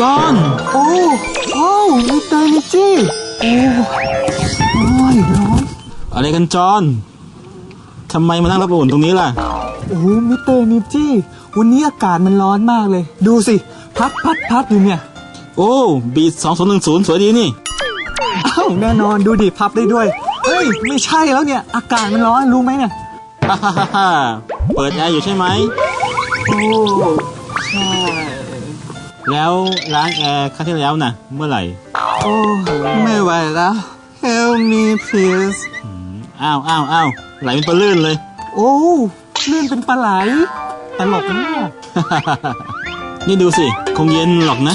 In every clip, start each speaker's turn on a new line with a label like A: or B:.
A: จอห์น
B: โอ้มิสเตอร์นิจี้โอ้ยร้อน
A: อะไรกันจอห์นทำไมมานั่งรับอุ่นตรงนี้ล่ะ
B: โอ้มิสเตอร์นิจี้วันนี้อากาศมันร้อนมากเลยดูสิพัดอยู่เนี่ย
A: โอ้บีท2010สวยดีนี่
B: อ้าวแน่นอนดูดิพับได้ด้วยเฮ้ยไม่ใช่แล้วเนี่ยอากาศมันร้อนรู้ไหมเนี่ย
A: ฮ่าเปิดแอร์อยู่ใช่ไหม
B: โอ้ใช่
A: แล้วล้างแอร์ครั้งที่แล้วน่ะเมื่อไหร่
B: โอ้ไม่ไหวแล้ว Help me please
A: อ้าวไหลเป็นปลาลื่นเลย
B: โอ้ลื่นเป็นปลาไหลตลกนะเนี่ย
A: นี่ดูสิคงเย็นหรอกนะ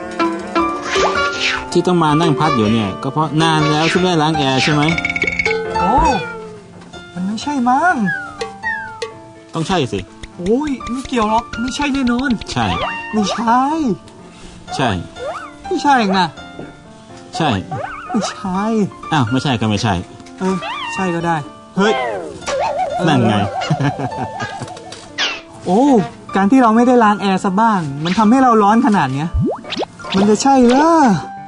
A: ที่ต้องมานั่งพัดอยู่เนี่ยก็เพราะนานแล้วที่ไม่ล้างแอร์ใช่ไหม
B: โอ้มันไม่ใช่มั้ง
A: ต้องใช่สิ
B: โอ้ยไม่เกี่ยวหรอกไม่ใช่แน่นอน
A: ใช่
B: ไม่ใช่
A: ใช่
B: ไม่ใช่เองนะ
A: ใช่
B: ไม่ใช่
A: อ้าวไม่ใช่ก็ไม่ใช่
B: ใช่ก็ได้
A: เฮ้ยนั่นไง
B: โอ้การที่เราไม่ได้ล้างแอร์ซะบ้างมันทำให้เราร้อนขนาดเนี้ยมันจะใช่เหรอ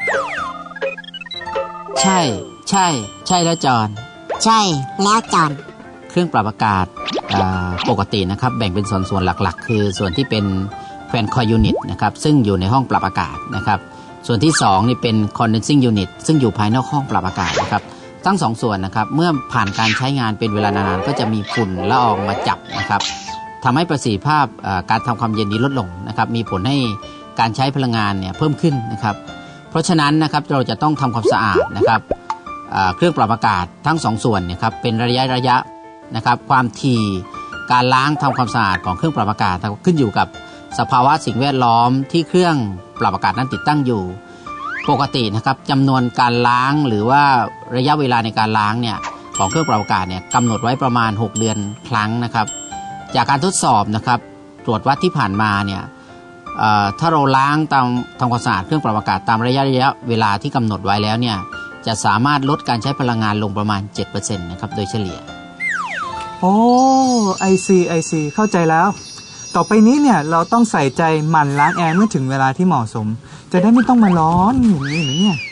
C: ใช่แล้วจอน
D: ใช่แล้วจอน
C: เครื่องปรับอากาศปกตินะครับแบ่งเป็นส่วนหลักๆคือส่วนที่เป็นแฟนคอยยูนิตนะครับซึ่งอยู่ในห้องปรับอากาศนะครับส่วนที่2นี่เป็น condensing unit ซึ่งอยู่ภายนอกห้องปรับอากาศนะครับทั้ง2ส่วนนะครับเมื่อผ่านการใช้งานเป็นเวลานานๆก็จะมีฝุ่นละอองมาจับนะครับทำให้ประสิทธิภาพการทำความเย็นนี้ลดลงนะครับมีผลให้การใช้พลังงานเนี่ยเพิ่มขึ้นนะครับเพราะฉะนั้นนะครับเราจะต้องทำความสะอาดนะครับเครื่องปรับอากาศทั้ง2ส่วนเนี่ยครับเป็นระยะนะครับความถี่การล้างทำความสะอาดของเครื่องปรับอากาศขึ้นอยู่กับสภาวะสิ่งแวดล้อมที่เครื่องปรับอากาศนั้นติดตั้งอยู่ปกตินะครับจำนวนการล้างหรือว่าระยะเวลาในการล้างเนี่ยของเครื่องปรับอากาศเนี่ยกำหนดไว้ประมาณ6เดือนครั้งนะครับจากการทดสอบนะครับตรวจวัดที่ผ่านมาเนี่ยถ้าเราล้างทำความสะอาดเครื่องปรับอากาศตามระยะเวลาที่กำหนดไว้แล้วเนี่ยจะสามารถลดการใช้พลังงานลงประมาณ 7% นะครับโดยเฉลี่ย
B: โอ้ไอซีเข้าใจแล้วต่อไปนี้เนี่ยเราต้องใส่ใจหมั่นล้างแอร์เมื่อถึงเวลาที่เหมาะสมจะได้ไม่ต้องมาร้อนอย่างนี้หรือเนี่ย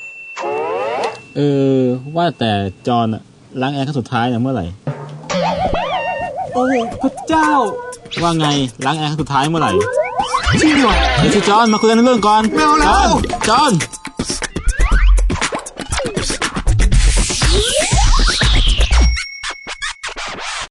A: ว่าแต่จอนล้างแอร์ครั้งสุดท้ายเนี่ยเมื่อไหร่
B: โอ้พระเจ้า
A: ว่าไงล้างแอร์ครั้งสุดท้ายเมื่อไหร่
B: จริงเหรอ
A: เดี๋ยวสิจอนมาคุยกันเรื่องก่อน
B: ไม่เอาแล้ว
A: จอน